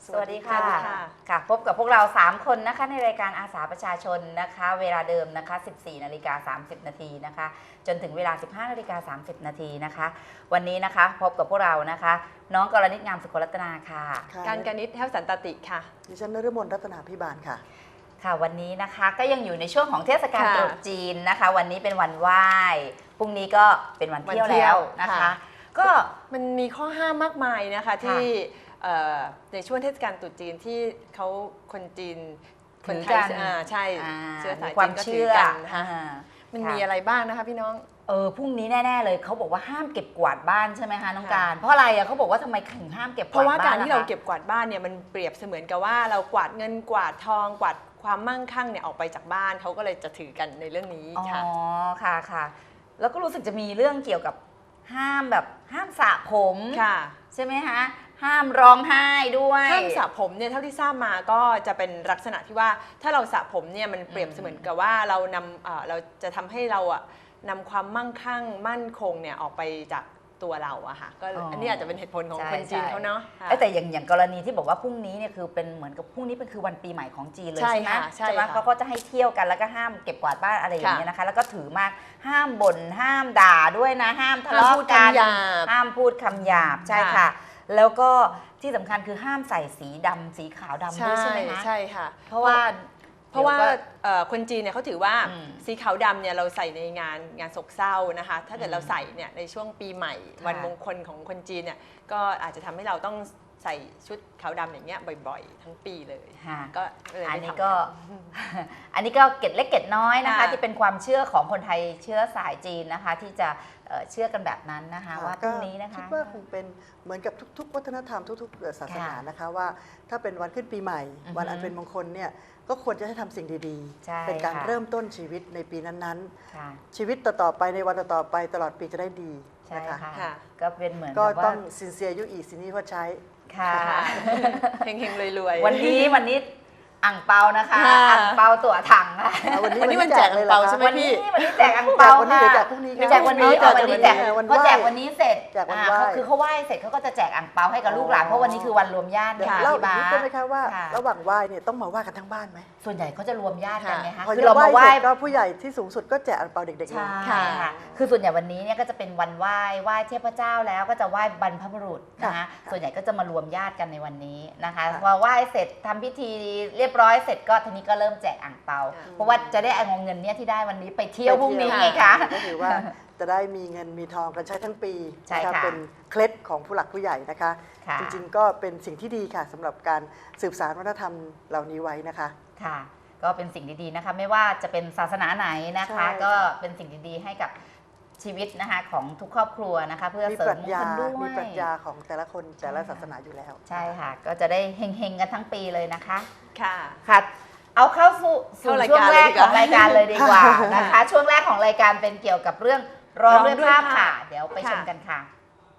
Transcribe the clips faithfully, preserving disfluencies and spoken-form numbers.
สวัสดีค่ะค่ะพบกับพวกเราสามคนนะคะในรายการอาสาประชาชนนะคะเวลาเดิมนะคะ สิบสี่นาฬิกาสามสิบนาทีนะคะจนถึงเวลา สิบห้านาฬิกาสามสิบนาทีนะคะวันนี้นะคะพบกับพวกเรานะคะน้องกรณิตงามสุขรัตนาค่ะการกนิษฐ์แท้วสันตติค่ะดิฉันนฤมลรัตนาพิบาลค่ะค่ะวันนี้นะคะก็ยังอยู่ในช่วงของเทศกาลตรุษจีนนะคะวันนี้เป็นวันไหว้พรุ่งนี้ก็เป็นวันเที่ยวแล้วนะคะก็มันมีข้อห้ามมากมายนะคะที่ในช่วงเทศกาลตรุษจีนที่เขาคนจีนคนไทยใช่เชื้อสายจีนก็ถือกันมันมีอะไรบ้างนะคะพี่น้องเออพรุ่งนี้แน่ๆเลยเขาบอกว่าห้ามเก็บกวาดบ้านใช่ไหมคะน้องการเพราะอะไรอ่ะเขาบอกว่าทำไมถึงห้ามเก็บกวาดบ้านเพราะว่าการที่เราเก็บกวาดบ้านเนี่ยมันเปรียบเสมือนกับว่าเรากวาดเงินกวาดทองกวาดความมั่งคั่งเนี่ยออกไปจากบ้านเขาก็เลยจะถือกันในเรื่องนี้ค่ะอ๋อค่ะค่ะแล้วก็รู้สึกจะมีเรื่องเกี่ยวกับห้ามแบบห้ามสระผมค่ะใช่ไหมคะห้ามร้องไห้ด้วยห้ามสระผมเนี่ยเท่าที่ทราบมาก็จะเป็นลักษณะที่ว่าถ้าเราสระผมเนี่ยมันเปรียบเสมือนกับว่าเรานำเราจะทำให้เราอะนำความมั่งคั่งมั่นคงเนี่ยออกไปจากตัวเราอะค่ะก็อันนี้อาจจะเป็นเหตุผลของคนจีนเขาเนาะแต่อย่างอย่างกรณีที่บอกว่าพรุ่งนี้เนี่ยคือเป็นเหมือนกับพรุ่งนี้เป็นคือวันปีใหม่ของจีนเลยใช่ไหมใช่ไหมเขาก็จะให้เที่ยวกันแล้วก็ห้ามเก็บกวาดบ้านอะไรอย่างเงี้ยนะคะแล้วก็ถือมากห้ามบ่นห้ามด่าด้วยนะห้ามทะเลาะกันห้ามพูดคำหยาบใช่ค่ะแล้วก็ที่สำคัญคือห้ามใส่สีดำสีขาวดำด้วยใช่ไหมคะใช่ค่ะเพราะว่าเพราะว่าคนจีนเนี่ยเขาถือว่าสีขาวดำเนี่ยเราใส่ในงานงานโศกเศร้านะคะถ้าเกิดเราใส่เนี่ยในช่วงปีใหม่วันมงคลของคนจีนเนี่ยก็อาจจะทำให้เราต้องใส่ชุดขาวดำอย่างเงี้ยบ่อยๆทั้งปีเลยก็อันนี้ก็อันนี้ก็เกร็ดเล็กเกร็ดน้อยนะคะที่เป็นความเชื่อของคนไทยเชื้อสายจีนนะคะที่จะเชื่อกันแบบนั้นนะคะว่าพรุ่งนี้นะคะคิดว่าคงเป็นเหมือนกับทุกๆวัฒนธรรมทุกๆศาสนานะคะว่าถ้าเป็นวันขึ้นปีใหม่วันอันเป็นมงคลเนี่ยก็ควรจะให้ทำสิ่งดีๆเป็นการเริ่มต้นชีวิตในปีนั้นๆชีวิตต่อๆไปในวันต่อๆไปตลอดปีจะได้ดีนะคะก็เป็นเหมือนก็ต้องสินเซียยุอีสินี่ว่าใช้ค่ะเฮงๆรวยๆวันนี้วันนี้อ่างเปานะคะอ่างเปาตั๋วถังค่ะวันนี้วันแจกอ่างเปาใช่ไหมพี่วันนี้แจกอ่างเปาค่ะแจกพรุ่งนี้แจกวันนี้เอาวันนี้แจกพอแจกวันนี้เสร็จคือเขาไหว้เสร็จเขาก็จะแจกอ่างเปาให้กับลูกหลานเพราะวันนี้คือวันรวมญาติค่ะเล่าอีกนิดได้ไหมคะว่าระหว่างไหว้เนี่ยต้องมาไหว้กันทั้งบ้านไหมส่วนใหญ่เขาจะรวมญาติกันไหมคะคือเรามาไหว้ก็ผู้ใหญ่ที่สูงสุดก็แจกอ่างเปาเด็กๆใช่ค่ะคือส่วนใหญ่วันนี้เนี่ยก็จะเป็นวันไหว้ไหว้เทพเจ้าแล้วก็จะไหว้บรรพบุรุษนะคะส่วนใหญ่ก็จะมารวมญาติกันในวันนี้นะคะพอไหว้เสร็จทำพิธีเรียบร้อยเสร็จก็ทีนี้ก็เริ่มแจกอ่างเปาเพราะว่าจะได้เอาเงินเนี้ยที่ได้วันนี้ไปเที่ยวพรุ่งนี้ไงคะก็ถือว่าจะได้มีเงินมีทองกันใช้ทั้งปีนะคะเป็นเคล็ดของผู้หลักผู้ใหญ่นะคะจริงๆก็เป็นสิ่งที่ดีค่ะสำหรับการสืบสานวัฒนธรรมเหล่านี้ไว้นะคะค่ะก็เป็นสิ่งดีๆนะคะไม่ว่าจะเป็นศาสนาไหนนะคะก็เป็นสิ่งดีๆให้กับชีวิตนะคะของทุกครอบครัวนะคะเพื่อเสริมมงคลด้วยมีปรัชญาของแต่ละคนแต่ละศาสนาอยู่แล้วใช่ค่ะก็จะได้เฮงๆกันทั้งปีเลยนะคะค่ะค่ะเอาเข้าสู่ช่วงแรกของรายการเลยดีกว่านะคะช่วงแรกของรายการเป็นเกี่ยวกับเรื่องร้องด้วยภาพค่ะเดี๋ยวไปชมกันค่ะ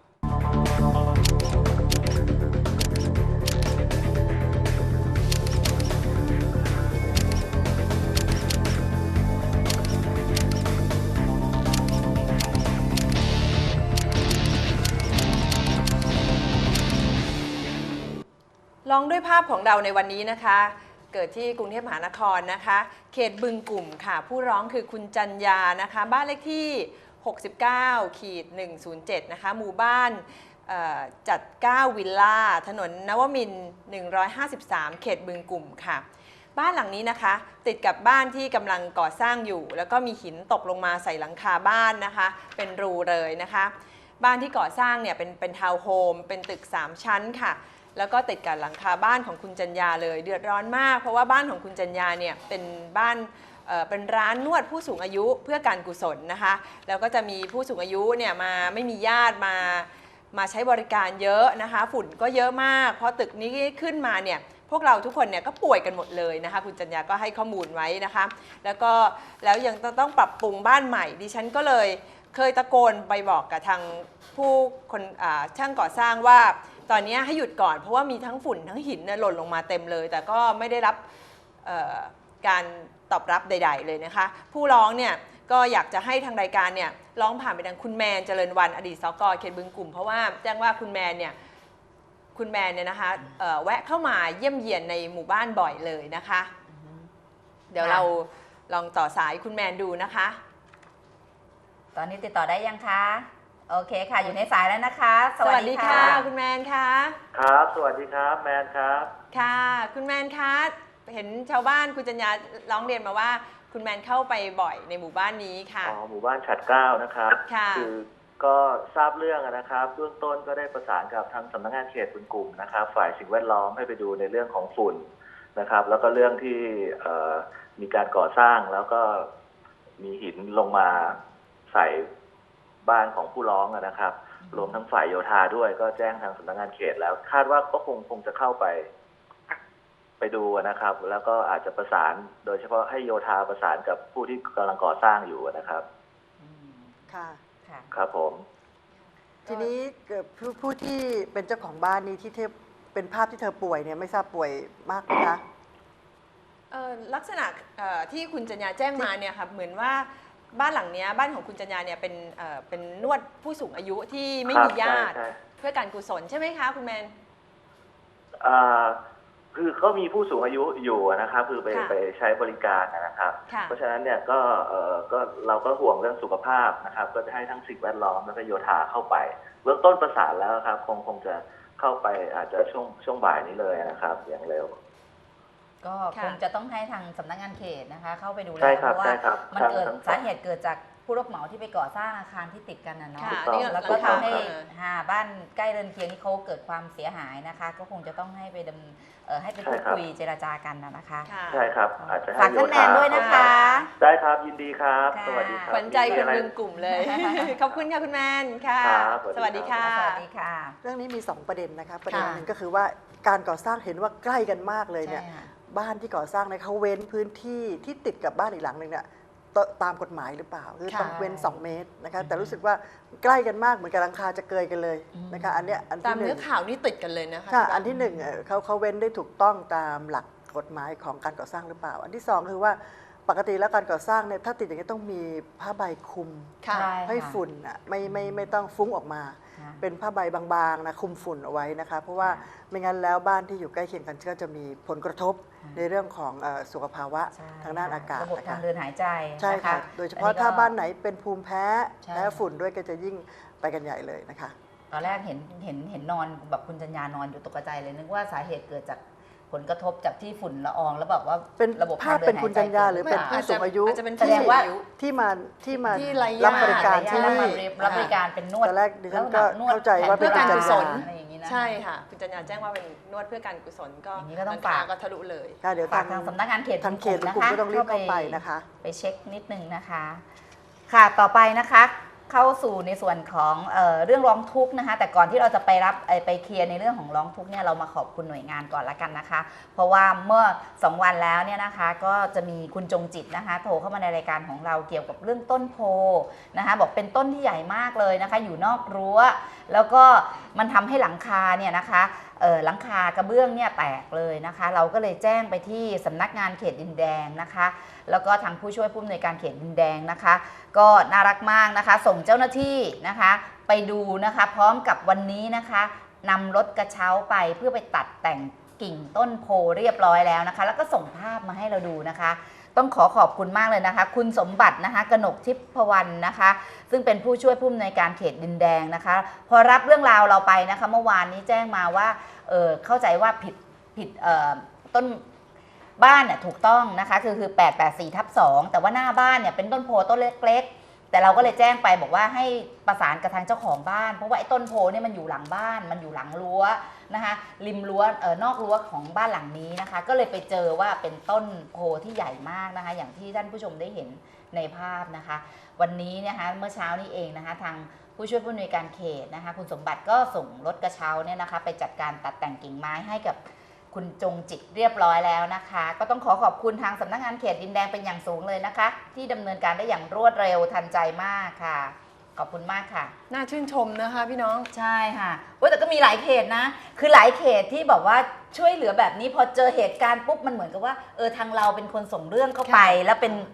ร้องด้วยภาพของเราในวันนี้นะคะเกิดที่กรุงเทพมหานครนะคะเขตบึงกลุ่มค่ะผู้ร้องคือคุณจัญญานะคะบ้านเลขที่หกสิบเก้าขีดหนึ่งศูนย์เจ็ดนะคะหมู่บ้านจัดเก้าวิลล่าถนนนวมินทร์หนึ่งร้อยห้าสิบสามเขตบึงกลุ่มค่ะบ้านหลังนี้นะคะติดกับบ้านที่กำลังก่อสร้างอยู่แล้วก็มีหินตกลงมาใส่หลังคาบ้านนะคะเป็นรูเลยนะคะบ้านที่ก่อสร้างเนี่ยเป็นเป็นทาวน์โฮมเป็นตึกสามชั้นค่ะแล้วก็ติดกับหลังคาบ้านของคุณจัญญาเลยเดือดร้อนมากเพราะว่าบ้านของคุณจัญญาเนี่ยเป็นบ้านเอ่อเป็นร้านนวดผู้สูงอายุเพื่อการกุศลนะคะแล้วก็จะมีผู้สูงอายุเนี่ยมาไม่มีญาติมามาใช้บริการเยอะนะคะฝุ่นก็เยอะมากพอตึกนี้ขึ้นมาเนี่ยพวกเราทุกคนเนี่ยก็ป่วยกันหมดเลยนะคะคุณจัญญาก็ให้ข้อมูลไว้นะคะแล้วก็แล้วยังต้องปรับปรุงบ้านใหม่ดิฉันก็เลยเคยตะโกนไปบอกกับทางผู้คนช่างก่อสร้างว่าตอนนี้ให้หยุดก่อนเพราะว่ามีทั้งฝุ่นทั้งหินหล่นลงมาเต็มเลยแต่ก็ไม่ได้รับการตอบรับใดๆเลยนะคะผู้ร้องเนี่ยก็อยากจะให้ทางรายการเนี่ยร้องผ่านไปทางคุณแมนเจริญวันอดีตสกเขตบึงกลุ่มเพราะว่าแจ้งว่าคุณแมนเนี่ยคุณแมนเนี่ยนะคะเอ่อแวะเข้ามาเยี่ยมเยียนในหมู่บ้านบ่อยเลยนะคะ เดี๋ยวเราลองต่อสายคุณแมนดูนะคะตอนนี้ติดต่อได้ยังคะโอเคค่ะอยู่ในสายแล้วนะคะสวัสดีค่ะคุณแมนคะครับสวัสดีครับแมนครับค่ะ คุณแมนคะเห็นชาวบ้านคุณจัญญาร้องเรียนมาว่าคุณแมนเข้าไปบ่อยในหมู่บ้านนี้ค่ะอ๋อหมู่บ้านฉัดเกล้านะครับค่ะอก็ทราบเรื่องนะครับเบื้องต้นก็ได้ประสานกับทางสำนักงานเขตบึงกลุ่มนะครับฝ่ายสิ่งแวดล้อมให้ไปดูในเรื่องของฝุ่นนะครับแล้วก็เรื่องที่มีการก่อสร้างแล้วก็มีหินลงมาใส่บ้านของผู้ร้องนะครับรวมทั้งฝ่ายโยธาด้วยก็แจ้งทางสำนักงานเขตแล้วคาดว่าก็คงคงจะเข้าไปไปดูนะครับแล้วก็อาจจะประสานโดยเฉพาะให้โยธาประสานกับผู้ที่กำลังก่อสร้างอยู่นะครับค่ะครับผมทีนี้ผู้ผู้ที่เป็นเจ้าของบ้านนี้ที่เธอเป็นภาพที่เธอป่วยเนี่ยไม่ทราบป่วยมากไหมคะเอ่อลักษณะเอ่อที่คุณจัญญาแจ้งมาเนี่ยค่ะเหมือนว่าบ้านหลังเนี้ยบ้านของคุณจัญญาเนี่ยเป็นเอ่อเป็นนวดผู้สูงอายุที่ไม่มีญาติใช่เพื่อการกุศลใช่ไหมคะคุณแมนอ่าคือเขามีผู้สูงอายุอยู่นะครับคือไปค่ะไปใช้บริการนะครับค่ะเพราะฉะนั้นเนี่ยก็เอ่อก็เราก็ห่วงเรื่องสุขภาพนะครับ ก็จะให้ทั้งสิ่งแวดล้อมแล้วก็โยธาเข้าไปเบื้องต้นประสานแล้วครับคงคงจะเข้าไปอาจจะช่วงช่วงบ่ายนี้เลยนะครับอย่างเร็วก็ค่ะคงจะต้องให้ทางสำนักงานเขตนะคะ เข้าไปดูแลใช่เพครับราะว่าใช่ครับมันเกิดทั้งสาเหตุเกิดจากผู้รับเหมาที่ไปก่อสร้างอาคารที่ติดกันนะเนาะค่ะถูกต้องนี่แล้วเราก็ทำทำให้ให้หาบ้านใกล้เรือนเคียงที่เขาเกิดความเสียหายนะคะ ก็คงจะต้องให้ไปดำเอ่อให้ไปพูดคุยเจรจากันนะนะคะค่ะใช่ครับอาจจะให้ฝากโยท่านแมธานด้วยนะคะได้ครับยินดีครับค่ะสวัสดีครับขวัญใจคนมีอะไรบึงกลุ่มเลย ขอบคุณค่ะคุณแมนค่ะครับสสวัวัสสดีดีครัค่ะบสวัสดีค่ะเรื่องนี้มีสองประเด็นนะคะประเด็นค่ะหนึ่งก็คือว่าการก่อสร้างเห็นว่าใกล้กันมากเลยเนี่ยใช่ค่ะบ้านที่ก่อสร้างเนี่ยเขาเว้นพื้นที่ที่ติดกับบ้านอีกหลังหนึ่งเนี่ยตตามกฎหมายหรือเปล่าคือต้องเว้นสองเมตรนะคะแต่รู้สึกว่าใกล้กันมากเหมือนกับหลังคาจะเกยกันเลยนะคะอันเนี้ยอันตามที่หเนื้นึ่อง ข่าวนี่ติดกันเลยนะคะค่ะพี่อันที่หนึ่งเอ่อเขาเขาเว้นได้ถูกต้องตามหลักกฎหมายของการก่อสร้างหรือเปล่า อันที่สองคือว่าปกติแล้วการก่อสร้างเนี่ยถ้าติดอย่างนี้ต้องมีผ้าใบคลุมค่ะใช่ให้ฝุ่นอ่ะไม่ไม่ไม่ต้องฟุ้งออกมาค่ะเป็นผ้าใบบางๆนะคลุมฝุ่นเอาไว้นะคะเพราะว่าค่ะไม่งั้นแล้วบ้านที่อยู่ใกล้เคียงกันก็จะมีผลกระทบค่ะในเรื่องของเอ่อสุขภาวะใช่ทางด้านอากาศระบบนะทาคะงเดินหายใจใช่นค่ะโดยเฉพาะอัก็ถ้าบ้านไหนเป็นภูมิแพ้ใช่แพ้ฝุ่นด้วยก็จะยิ่งไปกันใหญ่เลยนะคะตอนแรกเห็นเห็นเห็นนอนแบบคุณจัญญานอนอยู่ตกใจเลยนึกว่าสาเหตุเกิดจากผลกระทบจากที่ฝุ่นละอองแล้วแบบว่าเป็นระบบภาพทงดิเป็นคุณหจัญญาใจหรือเป็นผู้สูงอายุอาจจะเป็นแสที่ดงว่าอายุที่มาที่มาที่ไร้ญาติรับบริการญที่ตินี่มารับบริการเป็นนวดตอนแรกดิฉันก็แล้วนวดเข้าใจว่าเป็นเพื่อการกุศลอะไรอย่างนี้นะใช่ค่ะ คุณจัญญาแจ้งว่าเป็นนวดเพื่อการกุศลก็อย่างนี้ก็ต้องหลัคฝากก็ทะลุเลยค่ะเดี๋ยวฝาทาก งทางสำนักงานเขตทางเขตบึกลุ่มก็ต้องรีบเข้าไปนะคะไปเช็คนิดนึงนะคะ ค่ะต่อไปนะคะเข้าสู่ในส่วนของเออเรื่องร้องทุกข์นะคะ แต่ก่อนที่เราจะไปรับเอ่อไปเคลียร์ในเรื่องของร้องทุกข์เนี่ยเรามาขอบคุณหน่วยงานก่อนละกันนะคะ เพราะว่าเมื่อสองวันแล้วเนี่ยนะคะก็จะมีคุณจงจิตนะคะ โทรเข้ามาในรายการของเราเกี่ยวกับเรื่องต้นโพนะคะ บอกเป็นต้นที่ใหญ่มากเลยนะคะ อยู่นอกรั้ว แล้วก็มันทำให้หลังคาเนี่ยนะคะเอ่อหลังคากระเบื้องเนี่ยแตกเลยนะคะ เราก็เลยแจ้งไปที่สำนักงานเขตดินแดงนะคะ แล้วก็ทางผู้ช่วยผู้อำนวยการเขตดินแดงนะคะ ก็น่ารักมากนะคะ ส่งเจ้าหน้าที่นะคะ ไปดูนะคะ พร้อมกับวันนี้นะคะนำรถกระเช้าไปเพื่อไปตัดแต่งกิ่งต้นโพเรียบร้อยแล้วนะคะ แล้วก็ส่งภาพมาให้เราดูนะคะ ต้องขอขอบคุณมากเลยนะคะ คุณสมบัตินะคะกนกทิพวรรณนะคะ ซึ่งเป็นผู้ช่วยผู้อำนวยการเขตดินแดงนะคะ พอรับเรื่องราวเราไปนะคะ เมื่อวานนี้แจ้งมาว่าเออเข้าใจว่าผิดผิดเอ่อต้นบ้านเนี่ยถูกต้องนะคะคือคือแปดแปดสี่ทับสองแต่ว่าหน้าบ้านเนี่ยเป็นต้นโพต้นเล็กๆแต่เราก็เลยแจ้งไปบอกว่าให้ประสานกับทางเจ้าของบ้านเพราะว่าไอ้ต้นโพเนี่ยมันอยู่หลังบ้านมันอยู่หลังรั้วนะคะริมรั้วเอ่อนอกรั้วของบ้านหลังนี้นะคะ ก็เลยไปเจอว่าเป็นต้นโพที่ใหญ่มากนะคะ อย่างที่ท่านผู้ชมได้เห็นในภาพนะคะ วันนี้นะคะเมื่อเช้านี้เองนะคะทางผู้ช่วยผู้อำนวยการเขตนะคะคุณสมบัติก็ส่งรถกระเช้าเนี่ยนะคะไปจัดการตัดแต่งกิ่งไม้ให้กับคุณจงจิตเรียบร้อยแล้วนะคะ ก็ต้องขอขอบคุณทางสำนักงานเขตดินแดงเป็นอย่างสูงเลยนะคะ ที่ดำเนินการได้อย่างรวดเร็วทันใจมากค่ะ ขอบคุณมากค่ะน่าชื่นชมนะคะพี่น้องใช่ค่ะโอ้ยแต่ก็มีหลายเขตนะ คือหลายเขตที่บอกว่าช่วยเหลือแบบนี้พอเจอเหตุการณ์ปุ๊บมันเหมือนกับว่าเออทางเราเป็นคนส่งเรื่องเข้าไปค่ะแล้วเป็น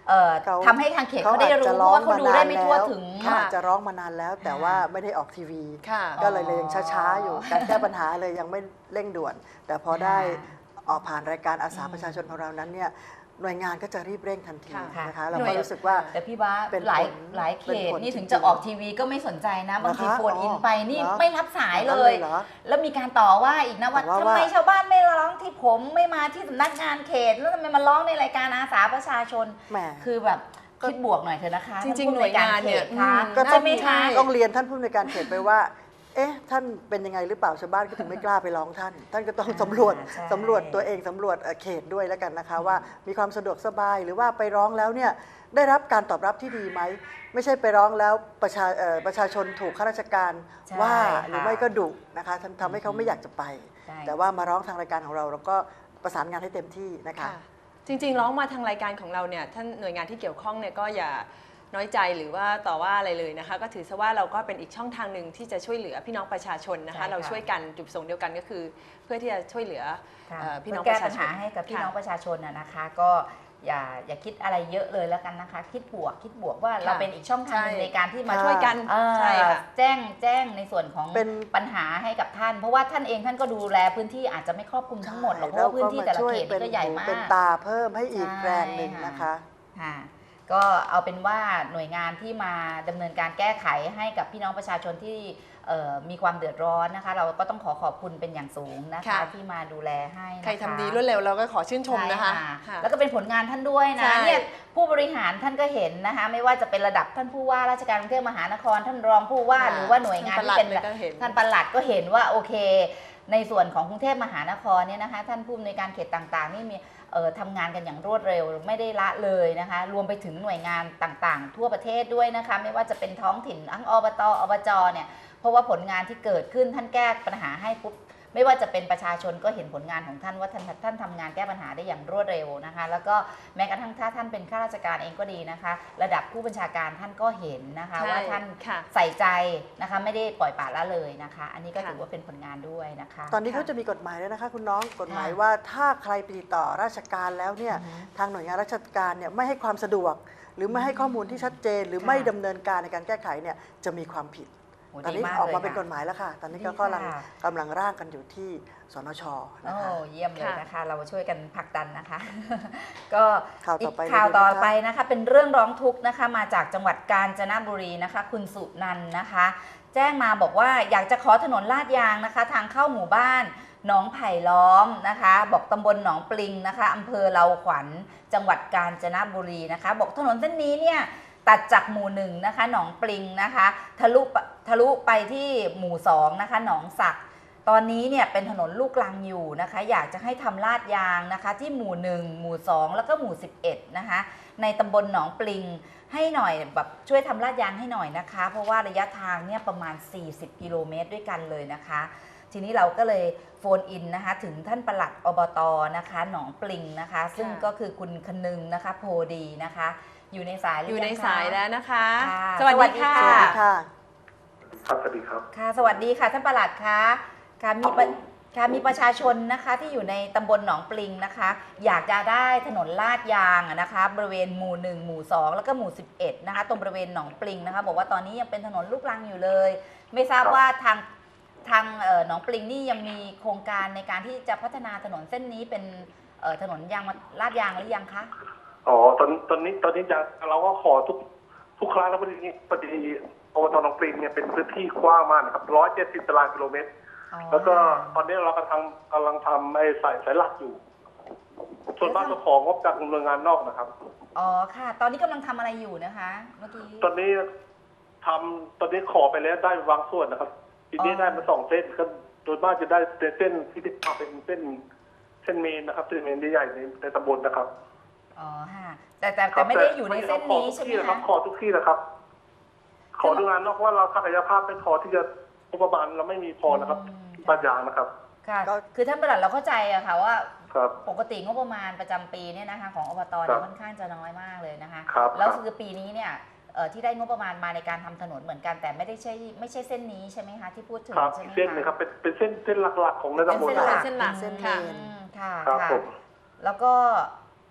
เอ่อเขาทำให้ทางเขตเขาเขาได้อาจรู้จะเพร้ราะองว่าเขาดูได้ไม่ทั่วมานานแล้วถึงเขาอาจจะร้องมานานแล้ว แต่ว่าไม่ได้ออกทีวีค่ะก็เลยเลยยังช้าๆอยู่ การแก้ปัญหาเลยยังไม่เร่งด่วน แต่พอได้ออกผ่านรายการอาสาประชาชนของเรานั้นเนี่ยหน่วยงานก็จะรีบเร่งทันทีค่ะนะคะเราหน่ก็วยรู้สึกว่าแต่พี่บ้าเป็นหลายผลหลายเขเป็นตผลนี่ถึงจริงๆจะออกทีวีก็ไม่สนใจนะ บางทีเหรอคะโฟนอินอ๋อไปนี่เหรอไม่รับสายอย่างเลนั้นยเลยเหรอแล้วมีการต่อว่าอีกนะว่าต่อว่าทำไมว่าชาวบ้านไม่ร้องที่ผมไม่มาที่สำนักงานเขต แล้วทำไมมาร้องในรายการอาสาประชาชนแหมคือแบบคิดบวกหน่อยเถอะนะคะจริงๆท่ผู้หน่วยงานเนี่ยขตคะอืมก็ใช่ไหมใช่คะต้องเรียนท่านผู้ในวยการเขตไปว่า เอ๊ะ ท่านเป็นยังไงหรือเปล่าชาวบ้านก็ถึงไม่กล้าไปร้องท่าน ท่านก็ต้องสำรวจใช่สำรวจตัวเองสำรวจเอ่อเขตด้วยแล้วกันนะคะ ว่ามีความสะดวกสบายหรือว่าไปร้องแล้วเนี่ยได้รับการตอบรับที่ดีไหม ไม่ใช่ไปร้องแล้วประชาเอ่อประชาชนถูกข้าราชการใช่ว่าค่ะหรือไม่ก็ดุนะคะทำทำให้เขาไม่อยากจะไปใช่แต่ว่ามาร้องทางรายการของเราเราก็ประสานงานให้เต็มที่นะคะค่ะจริงๆร้องมาทางรายการของเราเนี่ยท่านหน่วยงานที่เกี่ยวข้องเนี่ยก็อย่าน้อยใจหรือว่าต่อว่าอะไรเลยนะคะ ก็ถือซะว่าเราก็เป็นอีกช่องทางหนึ่งที่จะช่วยเหลือพี่น้องประชาชนนะใช่คะค่ะเราช่วยกันจุดประสงค์เดียวกันก็คือ เพื่อที่จะช่วยเหลือค่ะเอ่อพี่น้องเพื่ปแก้ระชาปัญชหาน ให้กับพี่ค่ะน้องประชาชนนะนะคะ ก็อย่าอย่าคิดอะไรเยอะเลยแล้วกันนะคะ คิดบวกคิดบวกว่าเราเป็นอีกช่องทางหนึ่งใช่ในการที่มาค่ะช่วยกันเอ่อใช่ค่ะแจ้งแจ้งในส่วนของเป็นปัญหาให้กับท่าน เพราะว่าท่านเองท่านก็ดูแลพื้นที่อาจจะไม่ครอบคลุมทั้งหมดหรอกเพราะว่าพื้นที่แต่ละเขตนี่ก็ใหญ่มากเป็นตาเพิ่มให้อีกใช่แรงหนึ่งนะคะค่ะก็เอาเป็นว่าหน่วยงานที่มาดำเนินการแก้ไขให้กับพี่น้องประชาชนที่เอ่อมีความเดือดร้อนนะคะ เราก็ต้องขอขอบคุณเป็นอย่างสูงนะคะค่ะที่มาดูแลให้นะคะใครทำดีรวดเร็วเราก็ขอชื่นชมนะคะใช่ค่ะแล้วก็เป็นผลงานท่านด้วยใช่นะเนี่ยผู้บริหารท่านก็เห็นนะคะ ไม่ว่าจะเป็นระดับท่านผู้ว่าราชการกรุงเทพมหานคร ท่านรองผู้ว่าหรือว่าหน่วยงานที่เป็นท่านปลัดก็เห็นท่านปลัดก็เห็นว่าโอเค ในส่วนของกรุงเทพมหานครเนี่ยนะคะ ท่านผู้อำนวยการเขตต่างๆนี่มีเอ่อทำงานกันอย่างรวดเร็วไม่ได้ละเลยนะคะ รวมไปถึงหน่วยงานต่างๆ ทั่วประเทศด้วยนะคะ ไม่ว่าจะเป็นท้องถิ่นทั้งอบตอบจเนี่ยเพราะว่าผลงานที่เกิดขึ้นท่านแก้ปัญหาให้ปุ๊บไม่ว่าจะเป็นประชาชนก็เห็นผลงานของท่านว่าท่านท่านทำงานแก้ปัญหาได้อย่างรวดเร็วนะคะ แล้วก็แม้กระทั่งถ้าท่านเป็นข้าราชการเองก็ดีนะคะ ระดับผู้บัญชาการท่านก็เห็นนะคะใช่ว่าท่านค่ะใส่ใจนะคะไม่ได้ปล่อยปละละเลยนะคะ อันนี้ก็ค่ะถือว่าเป็นผลงานด้วยนะคะตอนนี้เขาจะมีกฎหมายแล้วนะคะคุณน้องกฎหมายว่าถ้าใครไปติดต่อราชการแล้วเนี่ยอือฮึทางหน่วยงานราชการเนี่ยไม่ให้ความสะดวก หรือไม่ให้ข้อมูลที่ชัดเจน หรือค่ะไม่ดำเนินการในการแก้ไขเนี่ยจะมีความผิดโอ้ตอนดีนี้มากออกเลยมาเป็นค่ะกฎหมายแล้วค่ะ ตอนนี้ก็ดีกำลังค่ะกำลังร่างกันอยู่ที่สนชนะโอ้คะเยี่ยมเลยค่ะนะคะ เราช่วยกันผลักดันนะคะ ก็ข่าวอีต่อก ไปข่าวเลยดีไหมต่อคะไปนะคะ เป็นเรื่องร้องทุกข์นะคะ มาจากจังหวัดกาญจนบุรีนะคะ คุณสุนันท์นะคะ แจ้งมาบอกว่าอยากจะขอถนนลาดยางนะคะ ทางเข้าหมู่บ้านหนองไผ่ล้อมนะคะ บอกตำบลหนองปลิงนะคะอำเภอเลาขวัญจังหวัดกาญจนบุรีนะคะ บอกถนนเส้นนี้เนี่ยตัดจากหมู่หนึ่งนะคะ หนองปลิงนะคะทะลุปะทะลุไปที่หมู่สองนะคะ หนองสัก ตอนนี้เนี่ยเป็นถนนลูกรังอยู่นะคะ อยากจะให้ทำลาดยางนะคะ ที่หมู่หนึ่งหมู่สองแล้วก็หมู่สิบเอ็ดนะคะในตำบลหนองปลิงให้หน่อยแบบช่วยทำลาดยางให้หน่อยนะคะ เพราะว่าระยะทางเนี่ยประมาณสี่สิบกิโลเมตรด้วยกันเลยนะคะ ทีนี้เราก็เลยโฟนอินนะคะถึงท่านปลัดอบตนะคะหนองปลิงนะคะ ซึ่งก็คือคุณคนึงนะคะโพดีนะคะ อยู่ในสายหรือยู่ในงคะสายแล้วนะคะค่ะสวัสดีค่ะสวัสดีค่ะครับสวัสดีครับค่ะสวัสดีค่ะท่านปลัดคะค่ะมีประค่ะมีประชาชนนะคะที่อยู่ในตำบลหนองปลิงนะคะ อยากจะได้ถนนลาดยางอะนะคะ บริเวณหมู่หนึ่งหมู่สองแล้วก็หมู่สิบเอ็ดนะคะตรงบริเวณหนองปลิงนะคะ บอกว่าตอนนี้ยังเป็นถนนลูกรังอยู่เลย ไม่ทราบครับว่าทางทางเอ่อหนองปลิงนี่ยังมีโครงการในการที่จะพัฒนาถนนเส้นนี้เป็นเอ่อถนนยางมาลาดยางหรือยังคะอ๋อตอนตอนนี้ตอนนี้จะเราก็ขอทุกทุกครั้งแล้วพอดีพอดีอบตหนองปลิงเนี่ยเป็นพื้นที่กว้างมากนะครับร้อยเจ็ดสิบตารางกิโลเมตรอ๋อแล้วก็ตอนนี้เรากำลังกำลังทำไอ้สายสายหลักอยู่ ส่วนบ้านเจ้าของงบจากหน่วยงานนอกนะครับอ๋อค่ะ ตอนนี้กำลังทำอะไรอยู่นะคะเมื่อกี้ตอนนี้ทำตอนนี้ขอไปแล้วได้บางส่วนนะครับ ทีนี้อ๋อได้มาสองเส้นก็โดยมากจะได้เส้นที่เป็นเส้นเส้นเมนนะครับเส้นเมนใหญ่ๆในในตำบลนะครับอ๋อค่ะแต่แต่แต่ไม่ได้อยู่ในเส้นนี้ใช่ไหมครัคะบขอทุกที่นะครับ ขอทุกงานนอกว่าเราศักยภาพไม่พอที่จะงบประมาณเราไม่มีพอนะครับอืมบ้านยางนะครับค่ะก็คือท่านประหลัดเราเข้าใจอะค่ะว่าครับปกติงบประมาณประจำปีเนี่ยนะคะของอบตครัเนี่ยบค่อนข้างจะน้อยมากเลยนะคะครับแล้วครับคือปีนี้เนี่ยเอ่อที่ได้งบประมาณมาในการทำถนนเหมือนกัน แต่ไม่ได้ใช่ไม่ใช่เส้นนี้ใช่ไหมคะที่พูดถึงครับใช่ไหมอีกคะเส้นหนึงครับเป็นเป็นเส้นเส้นหลักๆของในเป็นตำบลเส้นหลักเส้นหลักเส้นค่ะเมนอืมค่ะครับค่ะผมแล้วก็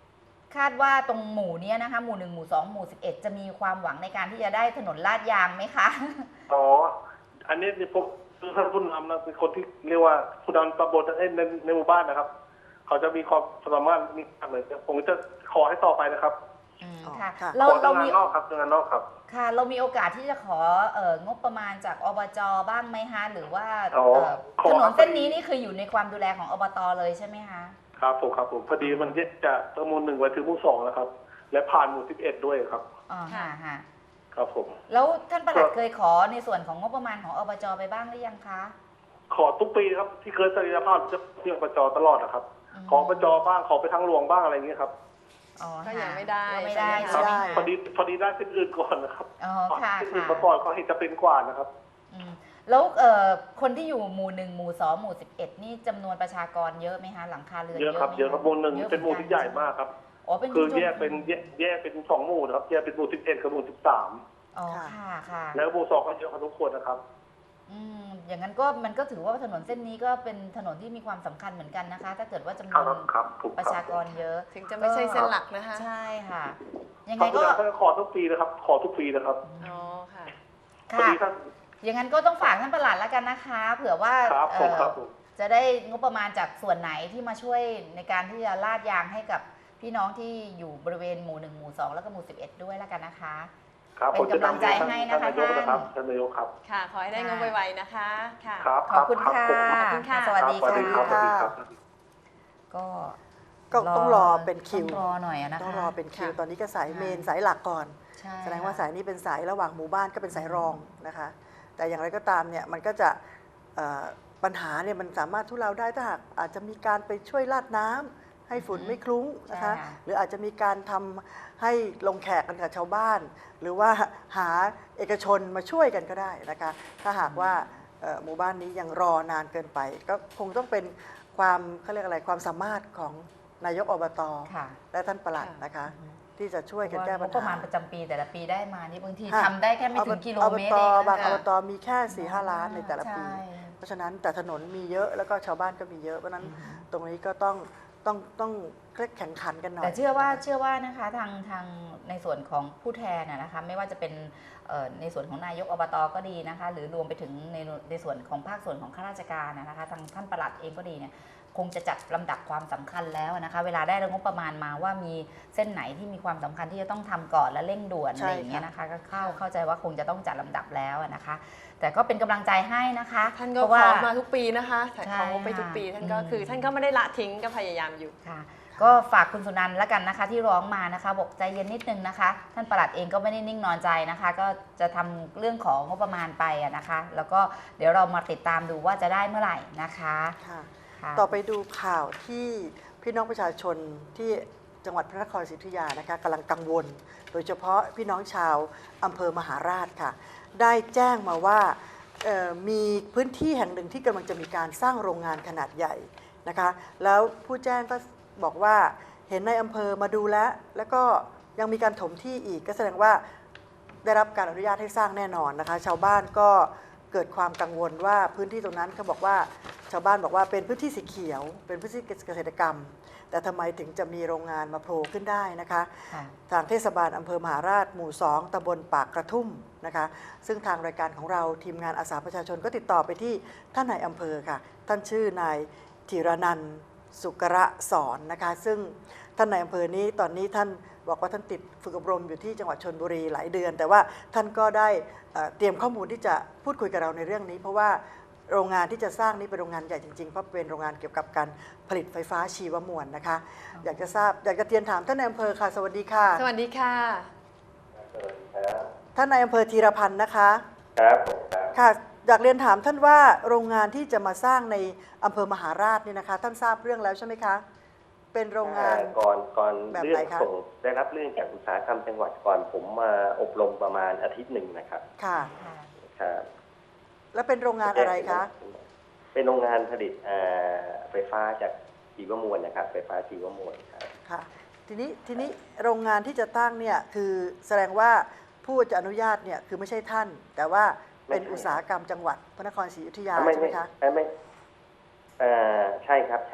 คาดว่าตรงหมู่เนี้ยนะคะหมู่หนึ่งหมู่สองหมู่สิบเอ็ดจะมีความหวังในการที่จะได้ถนนลาดยางไหมคะอ๋ออันนี้นี่ผมคือท่านผู้นำนะเป็นคนที่เรียกว่าผู้นำตำบลในในในหมู่บ้านนะครับ เขาจะมีความสามารถมีอะไรเนี่ยผมจะขอให้ต่อไปนะครับอืมอ๋อค่ะค่ะเราขอเราทำงามีนนอกครับทำงานนอกครับค่ะเรามีโอกาสที่จะขอเอ่องบประมาณจากอบจบ้างไหมคะหรือว่าอ๋อเอ่อขอถนนเส้นนี้นี่คืออยู่ในความดูแลของอบตเลยใช่ไหมคะครับผมครับผมพอดีมันจะตำบลหนึ่งไปถึงหมู่สองนะครับ และผ่านหมู่สิบเอ็ดด้วยครับอ๋อค่ะค่ะครับผมแล้วท่านปลัดเคยขอในส่วนของงบประมาณของอบจไปบ้างหรือยังคะขอทุกปีครับที่เคยศักยภาพจะเที่ยวประจอตลอดนะครับอืมขอประจอบ้างขอไปทางหลวงบ้างอะไรอย่างเงี้ยครับอ๋อก็ค่ะยังไม่ได้ก็ไม่ได้ใช่ไหมคะใช่ไหมไม่ได้คะพอดีพอดีได้เป็นอื่นก่อนนะครับอ๋อค่ะเป็นอื่นค่ะมาก่อนเขาเห็นจะเป็นกว่านะครับอืมแล้วเอ่อคนที่อยู่หมู่หนึ่งหมู่สองหมู่สิบเอ็ดนี่จำนวนประชากรเยอะไหมคะหลังคาเรือนเยอะครับไหมเยอะครับหมู่หนึ่งยอะเป็นหมู่ที่ใหญ่มากครับอ๋อเป็นคือชุมชนแยกเป็นแยกแยกเป็นสองหมู่นะครับแยกเป็นหมู่สิบเอ็ดกับหมู่สิบสามอ๋อค่ะค่ะแล้วหมู่สองก็เยอะพอสมควรนะครับอืมอย่างนั้นก็มันก็ถือว่าถนนเส้นนี้ก็เป็นถนนที่มีความสำคัญเหมือนกันนะคะ ถ้าเกิดว่าจำนครัวบนครับถูกประคชารับกรเยอะถึงจะไม่ใช่เส้นหลักนะคะใช่ค่ะ ยังคไงรับก็ท่านขอทุกปีนะครับ ขอทุกปีนะครับอ๋อค่ะพอค่ะดีท่านอย่างนั้นก็ต้องฝากท่านประหลัดแล้วกันนะคะ เผื่อว่าครับผมเอ่อครับผมจะได้งบประมาณจากส่วนไหนที่มาช่วยในการที่จะลาดยางให้กับพี่น้องที่อยู่บริเวณหมู่หนึ่งหมู่สองแล้วก็หมู่สิบเอ็ดด้วยแล้วกันนะคะครับเป็นผมจะกำลังใจนำให้นะคะท่านนายกนะครับท่านนายกครับค่ะ ขอให้ได้เงินไวๆนะคะ ค่ะครับขอบคุณรัค่ะผมขอบคุณค่ะสวัสดีสวัสดีครับสวัสดีครับก็ก็ต้องรอเป็นคิวต้องรอหน่อยอะนะคะต้องรอเป็นคิวค่ะตอนนี้ก็สายค่ะเมนสายหลักก่อนใช่แสดงว่าค่ะสายนี้เป็นสายระหว่างหมู่บ้านก็เป็นสายรองนะคะ แต่อย่างไรก็ตามเนี่ยมันก็จะเอ่อปัญหาเนี่ยมันสามารถทุเลาได้ถ้าหากอาจจะมีการไปช่วยลาดน้ำให้ฝุ่นไม่คลุ้งนะคะใช่ค่ะหรืออาจจะมีการทำให้ลงแขกกันกับชาวบ้าน หรือว่าหาเอกชนมาช่วยกันก็ได้นะคะ ถ้าหากว่าเอ่อหมู่บ้านนี้ยังรอนานเกินไป ก็คงต้องเป็นความเขาเรียกอะไรความสามารถของนายกอบตค่ะและท่านปลัดนะคะ ที่จะช่วยกันแก้ปัญงบประมาหาณประจำปีแต่ละปีได้มานี่บางทีค่ะทำได้แค่ไม่ถึงกิโลเมตรอบเองบางนะอบคะตมีแค่สี่ห้าล้านในแต่ละปีใช่เพราะฉะนั้นแต่ถนนมีเยอะแล้วก็ชาวบ้านก็มีเยอะเพราะฉะนั้นตรงนี้ก็ต้องต้องต้องแข่งขันกันหน่อยแต่เชื่อว่าเชื่อว่านะคะทางทางในส่วนของผู้แทนนะนะคะไม่ว่าจะเป็นเอ่อในส่วนของนายกอบตก็ดีนะคะ หรือรวมไปถึงในในส่วนของภาคส่วนของข้าราชการนะคะทางท่านปลัดเองก็ดีเนี่ยคงจะจัดลำดับความสำคัญแล้วนะคะ เวลาได้งบประมาณมาว่ามีเส้นไหนที่มีความสำคัญที่จะต้องทำก่อนและเร่งด่วนใช่อะไรอย่างเงี้ยค่ะนะคะก็เข้าเข้าใจว่าคงจะต้องจัดลำดับแล้วนะคะ แต่ก็เป็นกำลังใจให้นะคะท่านก็เพราะขว่าอมาทุกปีนะคะแต่ใช่ของงบไปทุกปี ท่านก็อืมคือ ท่านก็ไม่ได้ละทิ้งก็พยายามอยู่ค่ะก็ฝากคุณสุนันท์แล้วกันนะคะที่ร้องมานะคะบอกใจเย็นนิดนึงนะคะ ท่านปลัดเองก็ไม่ได้นิ่งนอนใจนะคะ ก็จะทำเรื่องของงบประมาณไปอะนะคะ แล้วก็เดี๋ยวเรามาติดตามดูว่าจะได้เมื่อไหร่นะคะค่ะค่ะต่อไปดูข่าวที่พี่น้องประชาชนที่จังหวัดพระนครศรีอยุธยานะคะกำลังกังวล โดยเฉพาะพี่น้องชาวอำเภอมหาราชค่ะ ได้แจ้งมาว่าเอ่อมีพื้นที่แห่งหนึ่งที่กำลังจะมีการสร้างโรงงานขนาดใหญ่นะคะ แล้วผู้แจ้งก็บอกว่าเห็นในอำเภอมาดูแล้ว แล้วก็ยังมีการถมที่อีกก็แสดงว่าได้รับการอนุญาตให้สร้างแน่นอนนะคะ ชาวบ้านก็เกิดความกังวลว่าพื้นที่ตรงนั้นเขาบอกว่าชาวบ้านบอกว่าเป็นพื้นที่สีเขียว เป็นพื้นที่เกษตรกรรม แต่ทำไมถึงจะมีโรงงานมาโผล่ขึ้นได้นะคะค่ะทางเทศบาลอำเภอมหาราชหมู่สองตำบลปากกระทุ่มนะคะ ซึ่งทางรายการของเราทีมงานอาสาประชาชนก็ติดต่อไปที่ท่านนายอำเภอค่ะ ท่านชื่อนายธีรนันท์สุกระสอนนะคะ ซึ่งท่านนายอำเภอนี้ตอนนี้ท่านบอกว่าท่านติดฝึกอบรมอยู่ที่จังหวัดชลบุรีหลายเดือน แต่ว่าท่านก็ได้เอ่อเตรียมข้อมูลที่จะพูดคุยกับเราในเรื่องนี้ เพราะว่าโรงงานที่จะสร้างนี้เป็นโรงงานใหญ่จริงๆ เพราะเป็นโรงงานเกี่ยวกับการผลิตไฟฟ้าชีวมวลนะคะ อยากจะทราบอยากจะเรียนถามท่านนายอำเภอค่ะสวัสดีค่ะสวัสดีค่ะท่านนายอำเภอธีรพันธ์นะคะครับผมครับค่ะอยากเรียนถามท่านว่าโรงงานที่จะมาสร้างในอำเภอมหาราชเนี่ยนะคะ ท่านทราบเรื่องแล้วใช่ไหมคะ เป็นโรงงานก่อนก่อนแบบเรื่ไหนองคะส่งได้รับเรื่องจากอุตสาหกรรมจังหวัดก่อนผมมาอบรมประมาณอาทิตย์หนึ่งนะครับค่ะค่ะครับแล้วเป็นโรงงานอะไรคะเป็นโรงงานผลิตเอ่อไฟฟ้าจากชีวมวลนะครับ ไฟฟ้าชีวมวลครับค่ะ ทีนี้ทีนี้โรงงานที่จะตั้งเนี่ยคือแสดงว่าผู้จะอนุญาตเนี่ยคือไม่ใช่ท่าน แต่ว่าเป็นไม่ใช่อุตสาหกรรมจังหวัดพระนครศรีอยุธยาไม่ใช่ไหมไม่คะไม่ไม่เอ่อใช่ครับใช่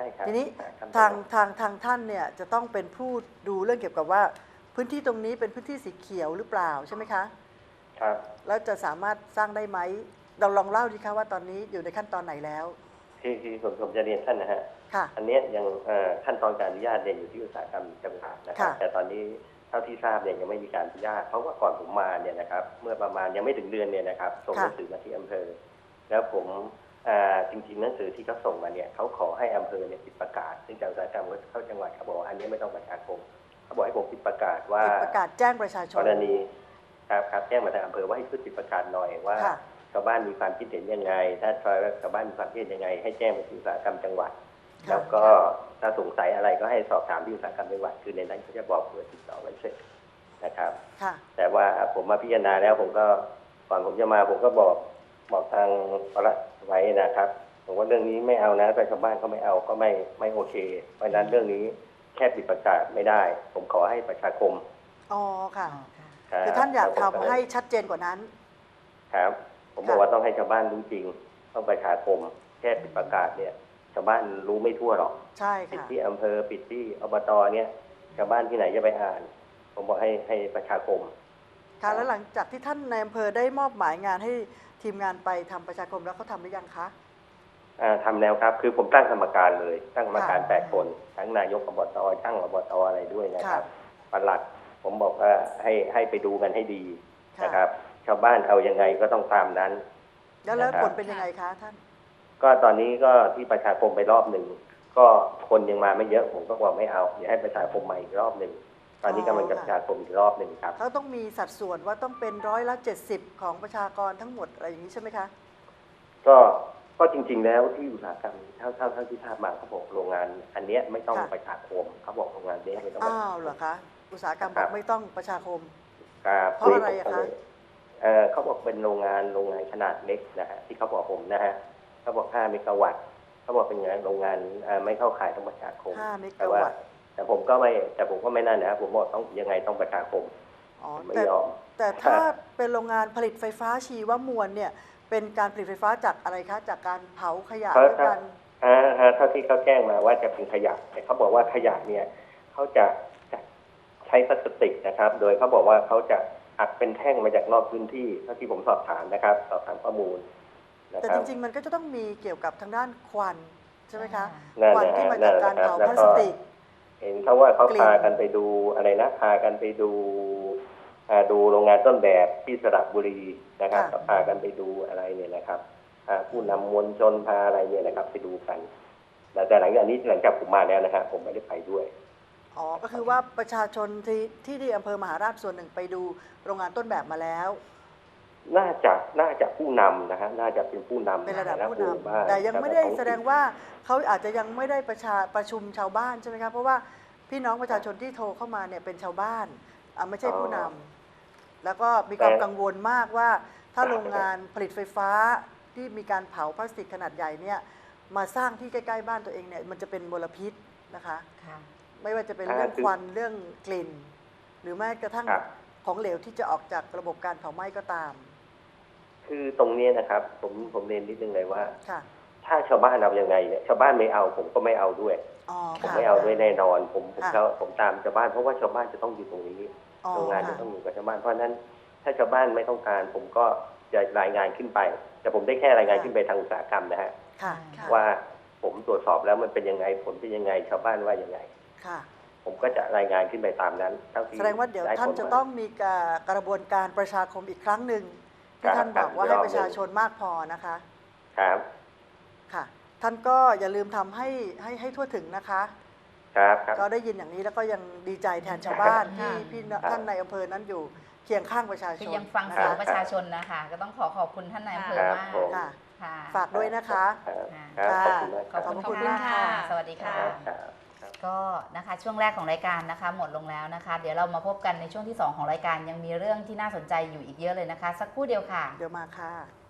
ช่ครับทีนี้ขั้นตอนทางทางทางท่านเนี่ยจะต้องเป็นผู้ดูเรื่องเกี่ยวกับว่าพื้นที่ตรงนี้เป็นพื้นที่สีเขียวหรือเปล่าใช่ไหมคะครับแล้วจะสามารถสร้างได้ไหมเราลองเล่าดีคะว่าตอนนี้อยู่ในขั้นตอนไหนแล้วคือคือผมผมจะเรียนท่านนะฮะค่ะอันเนี้ยยังเอ่อขั้นตอนการอนุญาตเนี่ยอยู่ที่อุตสาหกรรมจังหวัดนะครับค่ะแต่ตอนนี้เท่าที่ทราบเนี่ยยังไม่มีการอนุญาตเพราะว่าก่อนผมมาเนี่ยนะครับเมื่อประมาณยังไม่ถึงเดือนเนี่ยนะครับส่งหนังสือมาที่อำเภอ แล้วผมอ่าจริงๆหนังสือที่เขาส่งมาเนี่ยเขาขอให้อำเภอเนี่ยปิดประกาศซึ่งจากอุตสาหกรรมเข้าจังหวัดเขาบอกว่าอันนี้ไม่ต้องประชาคมเขาบอกให้ผมปิดประกาศว่าปิดประกาศแจ้งประชาชนกรณีครับครับแจ้งมาทางอำเภอว่าให้ช่วยติดประกาศหน่อยว่าค่ะชาวบ้านมีความคิดเห็นยังไง ถ้าชาวบ้านมีความคิดเห็นยังไง ให้แจ้งไปที่อุตสาหกรรมจังหวัดค่ะแล้วก็ถ้าสงสัยอะไรก็ให้สอบถามที่อุตสาหกรรมจังหวัดคือในนั้นเขาจะบอกเบอร์ติดต่อไว้เสร็จนะครับค่ะแต่ว่าผมมาพิจารณาแล้วผมก็ก่อนผมจะมาผมก็บอกบอกทางปลัดไว้นะครับผมว่าเรื่องนี้ไม่เอานะแต่ชาวบ้านก็ไม่เอาก็ไม่ไม่โอเค เพราะฉะนั้นเรื่องนี้แค่ปิดประกาศไม่ได้ ผมขอให้ประชาคมอ๋อค่ะรับคือท่านอยากแล้วผมทำให้ชัดเจนกว่านั้นครับ ผมบอกว่าต้องให้ชาวบ้านรู้จริง ต้องประชาคมแค่ปิดประกาศเนี่ยชาวบ้านรู้ไม่ทั่วหรอกใช่ปิดค่ะที่อำเภอปิดที่อบตเนี่ยชาวบ้านที่ไหนจะไปอ่าน ผมบอกให้ให้ประชาคมค่ะแล้วหลังจากที่ท่านในอำเภอได้มอบหมายงานให้ทีมงานไปทำประชาคมแล้วเขาทำหรือยังคะอ่าทำแล้วครับ คือผมตั้งกรรมการเลย ตั้งกรรมการค่ะแปดคน ทั้งนายกอบตช่างอบตอะไรด้วยนะครับค่ะปลัด ผมบอกว่าให้ให้ไปดูกันให้ดีค่ะนะครับ ชาวบ้านเอายังไงก็ต้องตามนั้นแล้วแล้วนะครับผลเป็นยังไงคะท่านก็ตอนนี้ก็ที่ประชาคมไปรอบหนึ่ง ก็คนยังมาไม่เยอะ ผมก็บอกไม่เอาอย่าให้ประชาคมใหม่อีกรอบหนึ่ง ตอนนี้กำลังจะประชาคมอีกรอบหนึ่งครับเขาต้องมีสัดส่วนว่าต้องเป็นร้อยละเจ็ดสิบของประชากรทั้งหมดอะไรอย่างนี้ใช่ไหมคะก็ก็จริง ๆ แล้วที่อุตสาหกรรมเท่าเท่าเท่าที่ทราบมาเขาบอกโรงงาน อันเนี้ยไม่ต้องค่ะประชาคมเขาบอกโรงงานเนี้ยไม่ต้องอ้าวเหรอคะ อุตสาหกรรมบอกไม่ต้องประชาคมครับเพราะอะไรอะคะเออเขาบอกเป็นโรงงานโรงงานขนาดเล็กนะฮะที่เขาบอกผมนะฮะเขาบอกห้าเมกะวัตต์เขาบอกเป็นงานโรงงานเอ่อไม่เข้าข่ายต้องประชาคมห้าเมแต่กะว่าวัตต์แต่ผมก็ไม่แต่ผมก็ไม่นั่นนะครับผมบอกต้องยังไงต้องประชาคมอ๋อไม่แต่ยอมแต่ถ้าเป็นโรงงานผลิตไฟฟ้าชีวมวลเนี่ย เป็นการผลิตไฟฟ้าจากอะไรคะ จากการเผาขยะเพราะด้วยกันอ่าฮะเท่าที่เขาแจ้งมาว่าจะเป็นขยะแต่เขาบอกว่าขยะเนี่ยเขาจะจะใช้พลาสติกนะครับ โดยเขาบอกว่าเขาจะอัดเป็นแท่งมาจากนอกพื้นที่เท่าที่ผมสอบถามนะครับสอบถามข้อมูลนะแต่ครัจบริง ๆ มันก็จะต้องมีเกี่ยวกับทางด้านควันใช่ไหมคะนั่นควันแหละที่มานั่จากนแหละการครับเผาแล้วพลาก็สติกเห็นเขาว่าเขากลิ่นพากันไปดูอะไรนะพากันไปดูอ่าดูโรงงานต้นแบบที่สระบุรีนะครับก็พากันไปดูอะไรเนี่ยนะครับอ่าผู้นำมวลชนพาอะไรเนี่ยนะครับไปดูกันแต่แต่หลังจากนี้หลังจากผมมาแล้วนะครับผมไม่ได้ไปด้วยอ๋อ ก็คือว่าประชาชนที่ที่ที่อำเภอมหาราชส่วนหนึ่งไปดูโรงงานต้นแบบมาแล้วน่าจะน่าจะผู้นำนะฮะน่าจะเป็นผู้นำเป็นระดับผู้นหมู่บ้าำแต่ยังไม่ได้ระท้อแสดงว่าเขาอาจจะยังไม่ได้ประชาประชุมชาวบ้านใช่ไหมคะเพราะว่าพี่น้องประชาชนที่โทรเข้ามาเนี่ยเป็นชาวบ้านอ่ะไม่ใช่ผู้นำแล้วก็มีความกังวลมากว่าถ้าโรงงานผลิตไฟฟ้าที่มีการเผาพลาสติกขนาดใหญ่เนี่ยมาสร้างที่ใกล้ๆบ้านตัวเองเนี่ยมันจะเป็นมลพิษนะคะค่ะไม่ว่าจะเป็นเรื่องควันเรื่องกลิ่น หรือแม้กระทั่งครับของเหลวที่จะออกจากระบบการเผาไหม้ก็ตามคือตรงนี้นะครับผมผมเรียนนิดนึงเลยว่าค่ะถ้าชาวบ้านเอายังไงเนี่ยชาวบ้านไม่เอาผมก็ไม่เอาด้วยอ๋อผมค่ะไม่เอาด้วยแน่นอนผมผมค่ะเขาผมตามชาวบ้านเพราะว่าชาวบ้านจะต้องอยู่ตรงนี้อ๋อโรงงานจะค่ะต้องอยู่กับชาวบ้านเพราะฉะนั้น ถ้าชาวบ้านไม่ต้องการ ผมก็จะรายงานขึ้นไป แต่ผมได้แค่รายงานขึ้นไปทางอุตสาหกรรมนะฮะค่ะค่ะว่าผมตรวจสอบแล้วมันเป็นยังไงผลเป็นยังไงชาวบ้านว่ายังไงค่ะผมก็จะรายงานขึ้นไปตามนั้นเท่าที่แสดงว่าเดี๋ยวไท่านผลจะมต้องมีกากระบวนการประชาคมอีกครั้งหนึ่งที่ครับท่านบอกว่าครัให้บประชาชนมากพอนะคะครับค่ะ ท่านก็อย่าลืมทำให้ให้ให้ทั่วถึงนะคะครับครับก็ได้ยินอย่างนี้แล้วก็ยังดีใจแทนชาวบ้านค่ะที่พี่น้องท่านในอำเภอนั้นอยู่เคียงข้างประชาชคืนอยังฟังนะเสียงคะประชาชนนะคะ ก็ต้องขอขอบคุณท่านนายอำเภอครับมากผมค่ะค่ะฝากด้วยนะคะครับครับขอบคุณมากขอบขอบพระคุคุณณมากมากค่ะค่ะสวัสดีค่ะครับครับก็นะคะช่วงแรกของรายการนะคะ หมดลงแล้วนะคะ เดี๋ยวเรามาพบกันในช่วงที่สองของรายการยังมีเรื่องที่น่าสนใจอยู่อีกเยอะเลยนะคะ สักครู่เดียวค่ะเดี๋ยวมาค่ะ